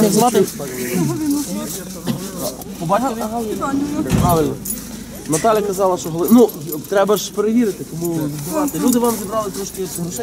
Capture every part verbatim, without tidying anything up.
як звати? По батькові? Правильно. Наталя казала, що Галина... Ну, треба ж перевірити, кому відбувати. Люди вам зібрали трошки грошей.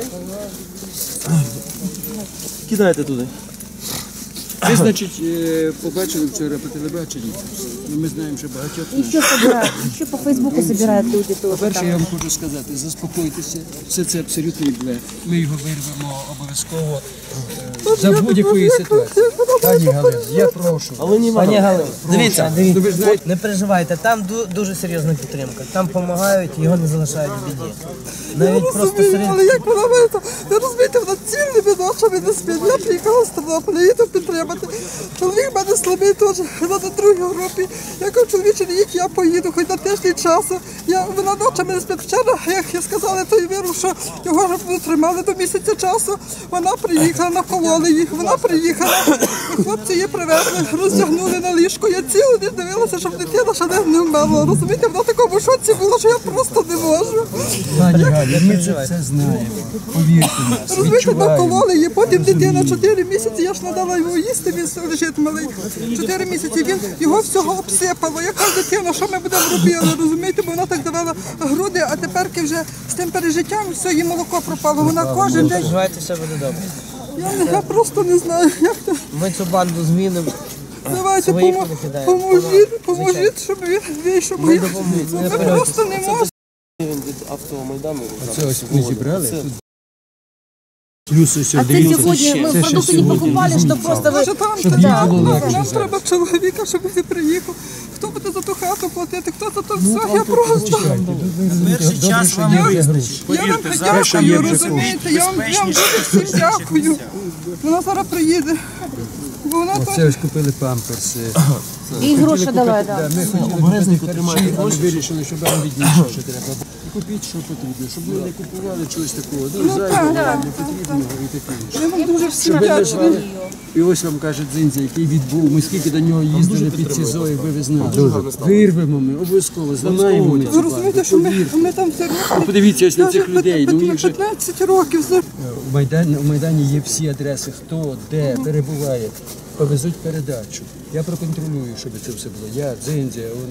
Кидайте туди. Ви, значить, побачили вчора по телебаченню. Ми знаємо, що багатьох... Еще собирают, еще по Фейсбуку собирают люди тоже. По-перше, я вам хочу сказати, заспокойтеся, все це абсолютний блеф. Ми його вирвемо обов'язково за будь-якої ситуації. Пані Галина, я прошу. Пані Галина, Дивіться, дивіться, не переживайте, там дуже серйозна підтримка. Там допомагають, його не залишають в біді. Навіть просто серед... Але як вона мене, ви розумієте, вона цілими ночами не спить. Я приїхала з Тернополя, їду підтримати. Чоловік в мене слабий теж, вона на другій групі. Я кажу, чоловіче, не їдь, я поїду, хоч на тиждень часу. Я, вона ночами не спить. Вчора, як я сказала, той віру, що його вже тримали до місяця часу. Вона приїхала, накололи їх, вона приїхала. Хлопці її привезли, роздягнули на ліжко. Я цілу ніч дивилася, щоб дитина ще не вмерла. Розумієте, вона в такому шоці була, що я просто не можу. Пані Галя, ми це все знаємо, повірте нас, розумієте, накололи її, потім дитина чотири місяці, я ж надала його їсти, він лежить малий. чотири місяці він його всього обсипало. Яка дитина, що ми будемо робити, розумієте, бо вона так давала груди, а тепер вже з тим пережиттям все, їй молоко пропало. Вона кожен день... Переживайте, все буде добре. Я, я просто не знаю, як це. Ми цю банду змінимо. Давайте, помо... поможіть, поможіть, щоб він вийшов. Ми, ми просто не можемо. Від автомайдану. Це ось ми зібрали. Плюс ось А це сьогодні ми продукти не покупали, щоб просто ви... щоб їй було легше Нам зараз. треба чоловіка, щоб він приїхав. Хто буде за ту хату платити, хто за то все, я просто... Перший час вам вистачить. Я вам дякую, розумієте, я вам, я вам дуже всім дякую. Вона зараз приїде. Бо вона так... Це ось купили памперси. І гроші давай, так. Ми хотіли купити харчі, але вирішили, щоб вам відніше, що треба. Купіть, що потрібно, щоб ви не купували чогось такого, ну, зайвого, непотрібного і таке інше. Я вам дуже всім Щоб ви не дякую. жвали. І ось вам каже Дзиндзя, який відбув, ми скільки до нього їздили під СІЗО, якби ви знали. Вирвемо ми, обов'язково, зламаємо ми. Ви розумієте, що ми, ми там все років. Подивіться ось на цих людей, ну їх же... п'ятнадцять років. У Майдані, у Майдані є всі адреси, хто, де перебуває. Повезуть передачу. Я проконтролюю, щоб це все було. Я, Дзиндзя, он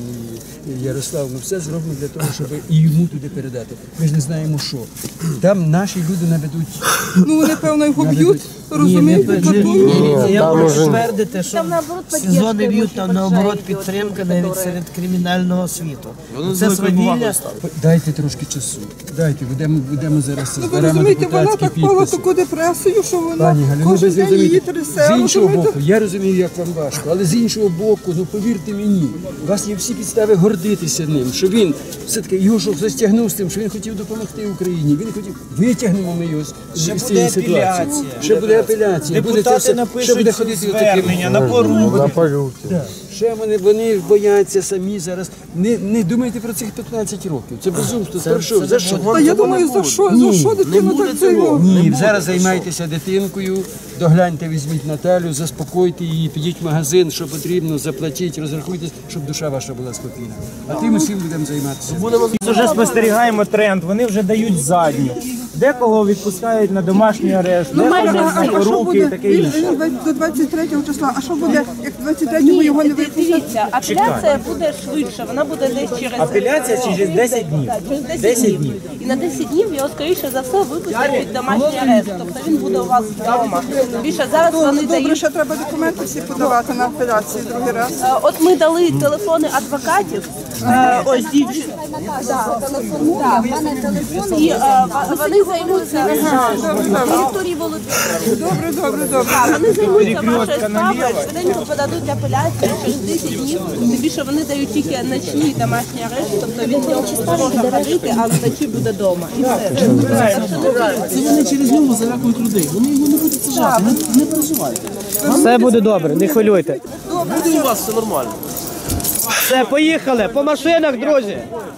і Ярослав, ми все зробимо для того, щоб і йому туди передати. Ми ж не знаємо, що. Там наші люди наведуть... Ну вони, певно, його б'ють, розумієте, катують. Я можу ствердити, що СІЗО не б'ють, там наоборот підтримка навіть серед кримінального світу. Це свавілля. Дайте трошки часу. Дайте, будемо, будемо зараз Ну ви зберемо розумієте, вона депутатські так впала в підписи. таку депресію, що вона Пані Галю, ну ви кожен день її зрозумієте, трясе. з іншого розумієте? боку, я розумію, як вам важко, але з іншого боку, ну повірте мені, у вас є всі підстави гордитися ним, що він все-таки його що застягнув з тим, що він хотів допомогти Україні, він хотів, витягнемо ми його з, з цієї ситуації. Ще буде апеляція. Буде це все, ще буде ходити звернення на поруки. Ще вони, вони бояться самі зараз. Не, не думайте про цих п'ятнадцять років. Це безумство. За що? За що? Та я думаю, за що, за що дитина так цього? Ні, зараз займайтеся дитинкою, догляньте, візьміть Наталю, заспокойте її, підіть в магазин, що потрібно, заплатіть, розрахуйтесь, щоб душа ваша була спокійна. А тим усім будемо займатися. Ми вже спостерігаємо тренд, вони вже дають задню. Декого відпускають на домашній арешт, Ну, декого майже, а, а що руки і буде? таке Він, інше. він до двадцять третього числа, а що буде, як двадцять третього його не випустять? Дивіться, апеляція буде швидше, вона буде десь через... Апеляція через десять днів. Так, через десять, десять днів. І на десять днів його, скоріше за все, випустять під домашній арешт. Тобто він буде у вас вдома. Більше зараз вони Добре, дають... ще треба документи всі подавати на апеляцію другий раз. Е, От ми дали телефони адвокатів, е, ось дівчина. І е, вони займуться Вікторії Володимирівні. Добре, добре, добре. Вони займуться вашою справою, швиденько подадуть апеляцію через десять днів. Тим більше вони дають тільки ночні домашні арешти, тобто він не може ходити, а вночі буде вдома. І все. Це вони через нього залякують людей. Вони його не будуть сажати, не, не переживайте. Все буде добре, не хвилюйте. Буде у вас все нормально. Все, поїхали, по машинах, друзі.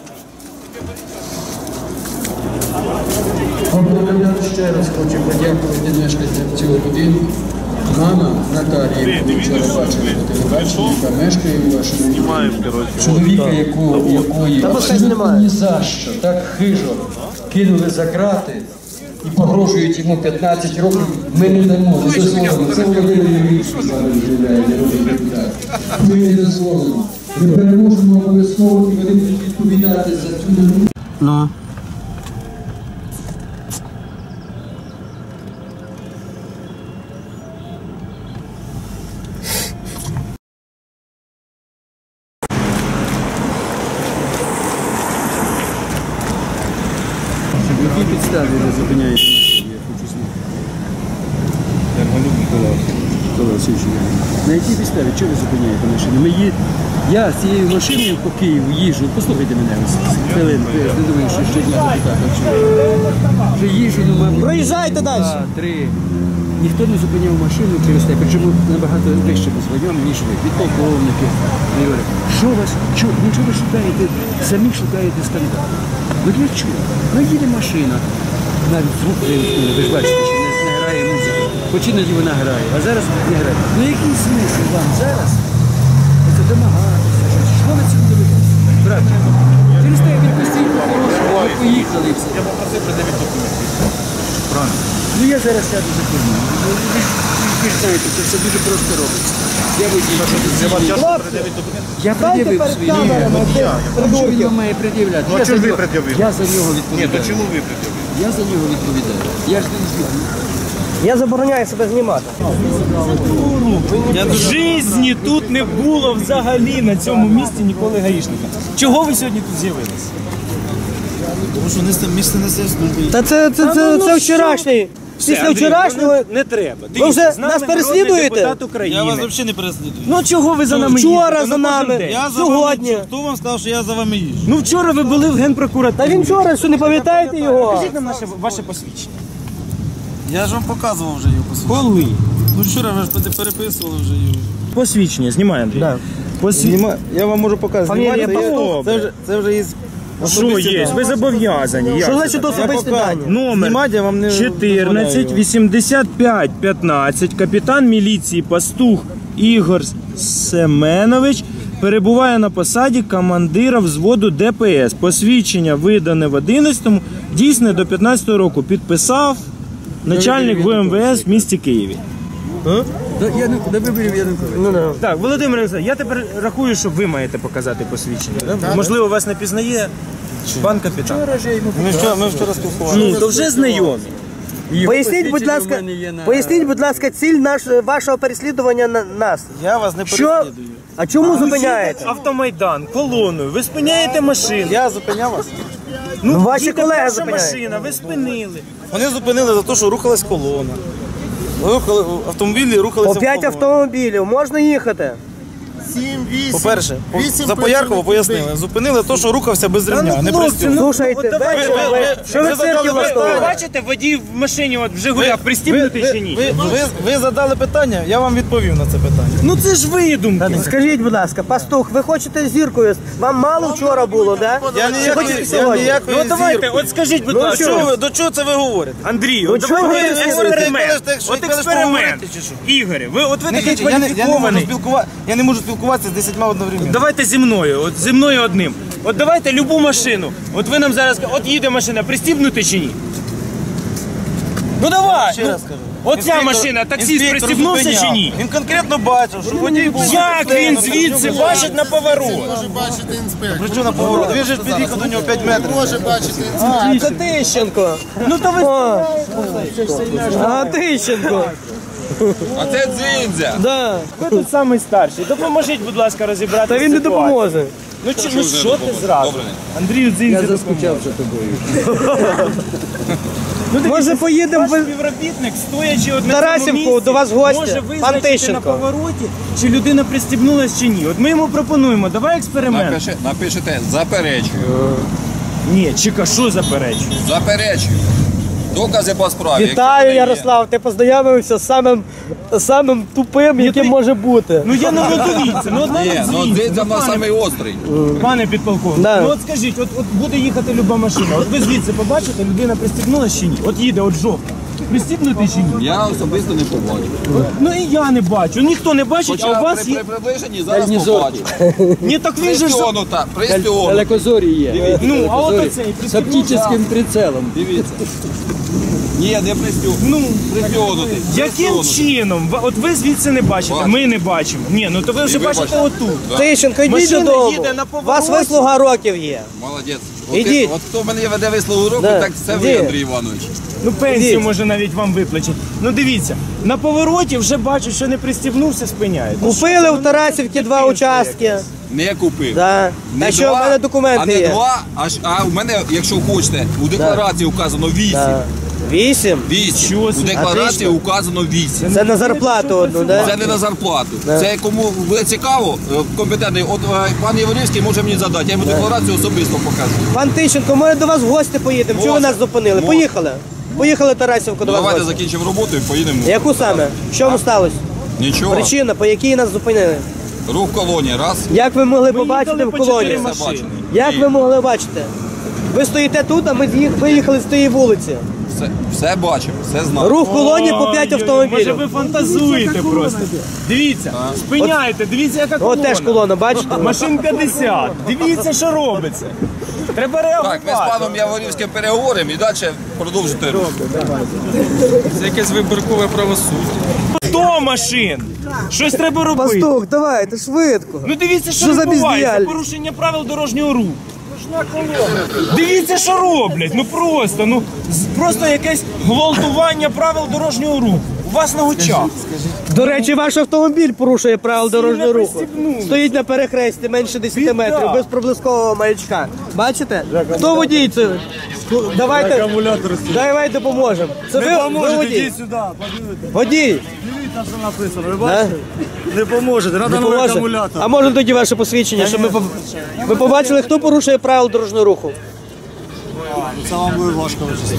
Ще раз хочу подякувати мешканцям цього будинку. Мама Наталія, яку вчора бачили по телебаченню, яка мешкає у вашому будинку. Чоловіка, якого, якої абсолютно ні за що, так хижо кинули за крати і погрожують йому п'ятнадцять років, ми не дамо, не дозволимо. Це Володимир Юрійович зараз розглядає, народний депутат. Ми не дозволимо. Ми переможемо обов'язково, і вони будуть відповідати за цю минуту. Ну. На якій підставі ви зупиняєте машину? Я хочу знати. Микола Васильович, на якій підставі? Чого ви зупиняєте машину? Ми є... Я з цією машиною по Києву їжджу. Послухайте мене ось хвилинку. Я ж не думаю, що ще для депутата. Вже їжджу, ну, мабуть. Проїжджайте далі. Два, три. Ніхто не зупиняв машину через те, причому набагато вище ми звайом, ніж ви. Підполковники. Вони говорять, що вас, чого, ну чого ви шукаєте, самі шукаєте скандал? Ну для чого? Ну їде машина, навіть звук, ви ж бачите, що не, не грає музика. Хоч іноді вона грає, а зараз не грає. Ну який смисл вам зараз це домагатися? Що ви цим робите? Брат, через те відпустіть, ви поїхали і все. Я попросив придавити документи. Правильно. Ну я зараз сяду за кермо. Ви, ви, ви ж знаєте, це все дуже просто робиться. Я водій. Я пред'явив свої. Що він вам має пред'являти? Ну, а чого ви пред'явили? Я за нього відповідаю. Ні, то чому ви пред'явили? Я за нього відповідаю. Я ж не звідти. Я забороняю себе знімати. В житті тут не було взагалі на цьому місці ніколи гаїшника. Чого ви сьогодні тут з'явилися? Тому що місце, місце не служби. Та це, це, це, це вчорашній. Після вчорашнього не треба. ви вже нас переслідуєте? Депутат України. Я вас взагалі не переслідую. Ну чого ви за нами Вчора їздите? за Ну, кожен нами. день. Я за Сьогодні. вами. Хто вам сказав, що я за вами їжджу? Ну вчора ви були в Генпрокуратурі. Та він вчора, що не пам'ятаєте його? Покажіть нам наше, ваше посвідчення. Я ж вам показував вже його посвідчення. Коли? Ну вчора ви ж переписували вже його. Посвідчення, знімай, Андрій. Да. Посвідчення. Я вам можу показати. Фамілія Знімати, Павлов. це, вже, це вже із... Що є? Ви зобов'язані. Як Що це значить так? особисті дані? Номер Знімати я вам не чотирнадцять дозволяю. вісімдесят п'ять п'ятнадцять, капітан міліції Пастух Ігор Семенович перебуває на посаді командира взводу Де Пе Ес. Посвідчення видане в одинадцятому, дійсне до п'ятнадцятого року. Підписав начальник Ве Ем Ве Ес в місті Києві. До виборів Януковича. Ну, да. Так, Володимир Олександрович, я тепер рахую, що ви маєте показати посвідчення. Да? Можливо, вас не пізнає пан капітан. Ми вчора, ми вчора спілкувалися. Ну, то вже знайомі. Поясніть, будь ласка, поясніть, будь ласка, ціль наш, вашого переслідування на нас. Я вас не Що? переслідую. А чому зупиняєте? Автомайдан, колоною, ви спиняєте машину. Я зупиняв вас. Ну, ваші їде колеги перша зупиняють. машина, ви спинили. Вони зупинили за те, що рухалась колона. Рухали, автомобілі рухалися По в п'ять колоні. автомобілів можна їхати? По-перше, по- за Поярково пояснили. Зупинили те, що рухався без ремня, не пристібнув. Слушайте, от давайте, ви- ви- ви- що ви ви в циркі задали Ви влаштовуєте? бачите, водій в машині от в Жигулях пристібнутий чи ні? Ви, ви, ви задали питання, я вам відповів на це питання. Ну це ж видумки. Скажіть, будь ласка, пастух, ви хочете зіркою? Вам мало вчора було, да? Я Чи ніякої, хочете я сьогодні? ніякої Ну давайте, зірки. от скажіть, будь Ну, ласка, Що ви, до чого це ви говорите? Андрію, Ну, от чого давайте ви експеримент. кажете, що От ви кажете, експеримент. говорите, чи що? Ігорі, ви от ви Не такий кажіть, я, не, я, не можу кваліфікований. спілкува... я не можу спілкуватися з десятьма одновременно. Давайте зі мною, от зі мною одним. От давайте любу машину. От ви нам зараз кажете, от їде машина, пристібнути чи ні? Ну давай! Ще ну, раз кажу. Оця Інспектор- машина, таксист інспектор пристібнувся зупиняв. чи ні? Він конкретно бачив, що водій був... Як він звідси бачить на поворот? При чому на поворот? Він же ж під'їхав до нього п'ять метрів. А, це Тищенко. Ну то ви... О, а, Тищенко. А це дзиндзя. Да. Ви тут самий старший. Допоможіть, будь ласка, розібрати Та він не ситуацію. допоможе. Ну, чи, ну що ти зразу? Андрію Дзинзі Я допоможе. заскучав за тобою. Ну, дивіться, Може, поїдемо ваш ви- співробітник, стоячи от на Тарасівку, цьому місці, до вас гості. може Пан визначити на Тищенко. повороті, чи людина пристібнулась чи ні. От ми йому пропонуємо, давай експеримент. Напиши, напишете заперечую. Ні, чека, що заперечує? Заперечую. Докази по справі. Якщо Вітаю, вони є. Ярослав, ти познайомився з самим, самим тупим, яким ти- може бути. Ну я не дивіться, ну одна Ні, не ну звідси. дзиндзя в нас пане- самий острий. Пане підполковник, Да. ну от скажіть, от, от буде їхати люба машина, от ви звідси побачите, людина пристібнулась чи ні? От їде, от жовта. Пристібнути чи ні? Я особисто не побачив. Ну і я не бачу, ніхто не бачить, а у Хоча вас при, є... при приближенні зараз Дальнізорки. побачив. Ні, так він же ж... за- Пристіонута, пристіонута. Далекозорі є. Ну, а от Далекозорі. оцей З оптичним прицелом. Дивіться. Ні, не пристегнутий. Ну, Пристегнутий. яким чином? Ви- От ви звідси не бачите, Бачу. ми не бачимо. Ні, ну то ви вже ви бачите бачите. отут. Тищенко, йдіть Машина додому. їде на У повороті. вас вислуга років є. Молодець. От, Ідіть. ти- от хто мене веде вислову року, Да. так це ви, Іди. Андрій Іванович. Ну пенсію Ідіть. може навіть вам виплачуть. Ну дивіться, на повороті вже бачу, що не пристібнувся, спиняють. Ну, Купили в Тарасівці два участки. Не купив. Да. Не А що, в два, мене а документи не є. два, а, ж- а в мене, якщо хочете, у декларації вказано вісім. Да. Вісім? Вісім. Чого У собі? декларації указано вісім. Це на зарплату одну, да? Це не на зарплату. Це кому буде цікаво, е, компетентний, от е, пан Яворівський може мені задати, я йому декларацію особисто покажу. Пан Тищенко, ми до вас в гості поїдемо. Чого ви нас зупинили? Можна. Поїхали. Поїхали Тарасівку до вас в Давайте гості. закінчимо роботу і поїдемо. Яку саме? Що вам сталося? Нічого. Причина, по якій нас зупинили? Рух колонії, раз. Як ви могли Ми побачити їхали в по колонії? чотири Все бачено. Як І ви могли бачити? Ви стоїте тут, а ми з'їх- виїхали з тієї вулиці. Все, все бачимо, все знаємо. Рух колонії по п'ять Ой, Може автомобілів. ви фантазуєте просто. Дивіться, спиняйте, дивіться, яка колона. От теж колона, бачите? Машин п'ятдесят. Дивіться, що робиться. Треба реагувати. Так, ми з паном Яворівським переговоримо і далі продовжити рух. Це якесь вибіркове правосуддя. сто машин. Щось треба робити. Пастух, давайте, швидко. Ну дивіться, що, Що за відбувається. бездіяльність? Порушення правил дорожнього руху. Дивіться, що роблять. Ну просто, ну з- просто якесь гвалтування правил дорожнього руху. У вас на очах. До речі, ваш автомобіль порушує правила дорожнього не руху. пристібнули. Стоїть на перехресті менше десяти Біда. метрів, без проблискового маячка. Бачите? Хто водій це? Давайте, давай допоможемо. Це ви, ви водій? сюди, подивіться. Водій. Дивіться, що написано. Ви Да? бачите? Не поможете, треба Не новий поможе? акумулятор. А може тоді ваше посвідчення, щоб ми поб- ви побачили, хто порушує правила дорожнього руху? Це вам буде важко вичислити.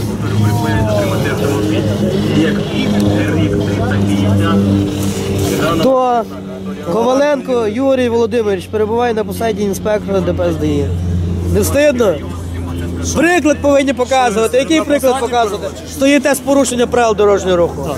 То Коваленко Юрій Володимирович перебуває на посаді інспектора ДПСДІ. Не встидно? Приклад повинні показувати. Який приклад показувати? Стоїте з порушення правил дорожнього руху.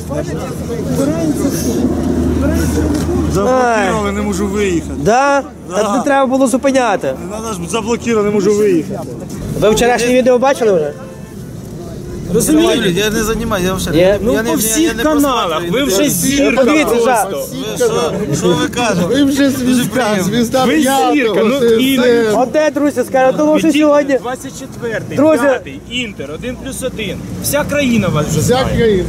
Заблокували, не можу виїхати. Да? Так не треба було зупиняти. Надо ж заблокували, не можу виїхати. Ви вчорашнє відео бачили вже? Розумієте? Я не займаюся, я вже Є? Ну по всіх каналах. Ви вже зірка. Подивіться, жа. просто. Що ви кажете? Ви вже звізда, звізда Ви зірка. Ну і От де, друзі, скажу, тому що сьогодні двадцять четвертий, Друзі. п'ятий, Інтер, один плюс один. Вся країна вас вже вся знає. країна.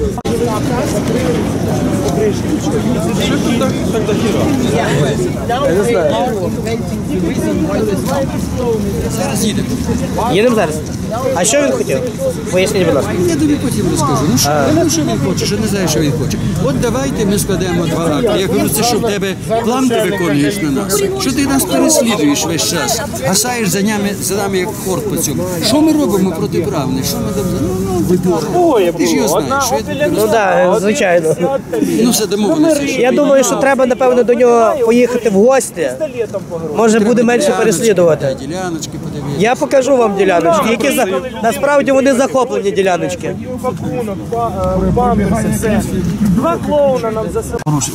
їдемо зараз. А що він хотів? Поясніть, будь ласка. Я тобі потім розкажу. Ну що, ну, що він хоче, що не знає, що він хоче. От давайте ми складемо два акти. Я кажу, це що в тебе план ти виконуєш на нас? Що ти нас переслідуєш весь час? Гасаєш за нами, за нами як хорт по цьому. Що ми робимо протиправне? Що ми там? Ну, ну, ти ж його знаєш. Що я тобі Ну так, звичайно. Ну все, домовилися. Я думаю, що треба, напевно, до нього поїхати в гості. Може, буде менше переслідувати. Діляночки подивитися. Я покажу вам діляночки, які за... насправді вони захоплені діляночки. Пакунок, памперси, все. Два клоуна нам за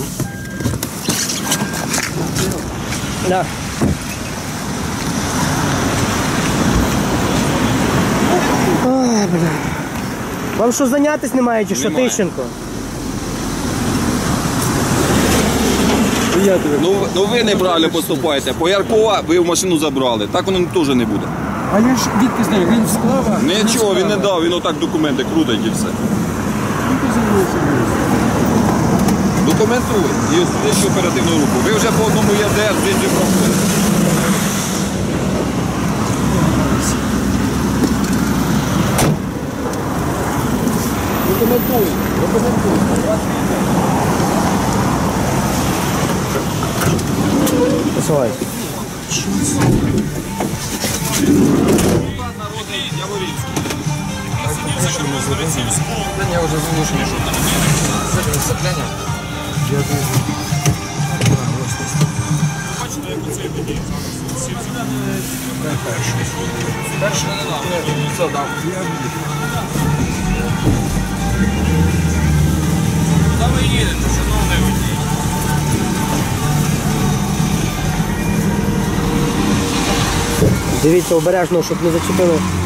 Да. Ой, бля. Вам що, зайнятись немає чи що, Немає. Тищенко? Ну, ну ви неправильно поступаєте. По Яркова ви в машину забрали. Так воно теж не буде. А я ж відки знаю, він склав. Нічого, він не дав, він отак документи крутить і все. Документуй і слідчу оперативну руку. Ви вже по одному ЄРДР слідчі проходите. Документуй, документуй. Посилай. Народний Яворівський. Я вже змушений, що там. Закляння. Бачите, як оце тоді. Перший не дав. Все, дав. Куди ви їдете, шановний водій? Дивіться обережно, щоб не зачепили